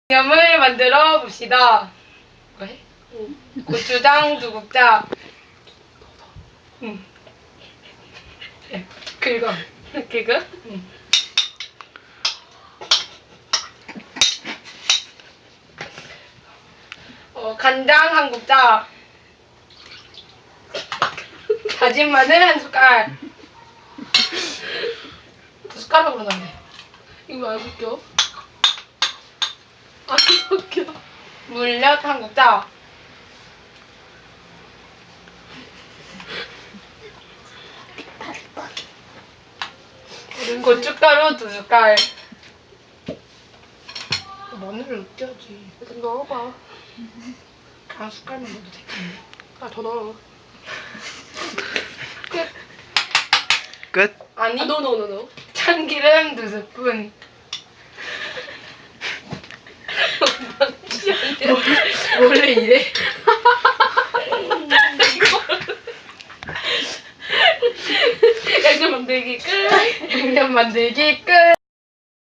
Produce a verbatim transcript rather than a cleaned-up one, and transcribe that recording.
양념을 만들어 봅시다. 왜? 응. 고추장 두 국자. 응. 긁어. 긁어? 응. 어, 간장 한 국자. 다진 마늘 한 숟갈. 두 숟가락으로 넣네. 이거 안 섞여? 안 섞여. 물엿 한 국자. 고춧가루 두 숟갈. 마늘을 으깨야지. 일단 넣어봐. 한 숟갈만 넣어도 되겠네. 아, 더 넣어. 끝. 끝. 아니, 아, 넣어, 넣어, 넣어, 넣어. 참기름 두 스푼. 원래 이래. 양념 만들기 끝. 양념 만들기 끝.